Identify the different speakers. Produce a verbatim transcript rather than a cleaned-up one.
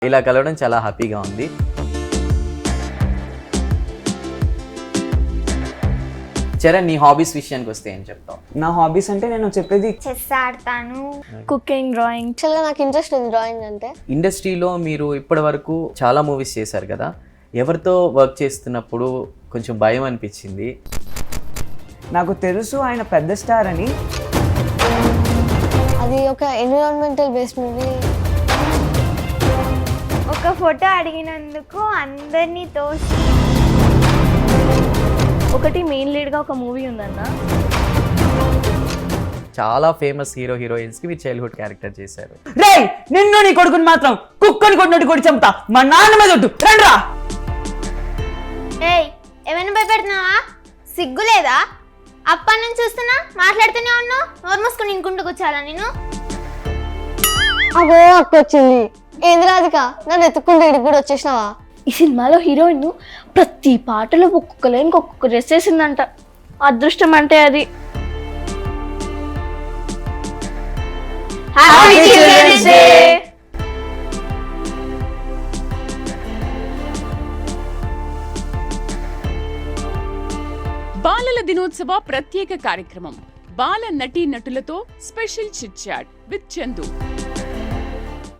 Speaker 1: ఇలా కలవడం చాలా హ్యాపీగా ఉంది. చరణ్, నీ హాబీస్ విషయానికి వస్తే ఏం చెప్తావు?
Speaker 2: నా హాబీస్ అంటే నేను చెప్పేది
Speaker 3: చెస్ ఆడతాను, కుకింగ్, డ్రాయింగ్.
Speaker 4: యాక్చువల్గా నాకు ఇంట్రెస్ట్ ఉంది డ్రాయింగ్ అంటే.
Speaker 1: ఇండస్ట్రీలో మీరు ఇప్పటి వరకు చాలా మూవీస్ చేశారు కదా, ఎవరితో వర్క్ చేస్తున్నప్పుడు కొంచెం భయం అనిపించింది?
Speaker 2: నాకు తెలుసు ఆయన పెద్ద స్టార్ అని.
Speaker 4: అది ఒక ఎన్విరాన్మెంటల్ బేస్డ్ మూవీ.
Speaker 3: ఒక ఫోటో అడిగినందుకు అందరినీ తోసి.
Speaker 5: ఒకటి మెయిన్ లీడ్గా ఒక మూవీ ఉందన్న.
Speaker 1: చాలా ఫేమస్ హీరో హీరోయిన్స్ కి మీరు చైల్డ్హుడ్ క్యారెక్టర్ చేశారు.
Speaker 2: రే నిన్ను నీ కొడుకుని మాత్రం కుక్కని కొట్టినట్టు కొట్టి చంపుతా, మా నాన్న మీద ఒట్టు, రండ్రా.
Speaker 3: ఏయ్, ఏమైనా భయపెడుతున్నావా? సిగ్గు లేదా? అప్పటి నుంచి చూస్తున్నా మాట్లాడుతూనే ఉన్నావు. నోరు మూసుకుని ఇంకుంటూ కూర్చోాలా నేను?
Speaker 4: అవో అక్క వచ్చింది. ఏంది రాధిక, నన్ను ఎత్తుకుంటే ఇడికి కూడా వచ్చేసినావా?
Speaker 5: ఈ సినిమాలో హీరోయిన్ ప్రతి పాటలో ఒక్కొక్క లైన్కి ఒక్కొక్క డ్రెస్ వేసిందంట. అదృష్టం అంటే అది. Happy children's day.
Speaker 6: బాలల దినోత్సవ ప్రత్యేక కార్యక్రమం. బాల నటీ నటులతో special chit chat with Chandu.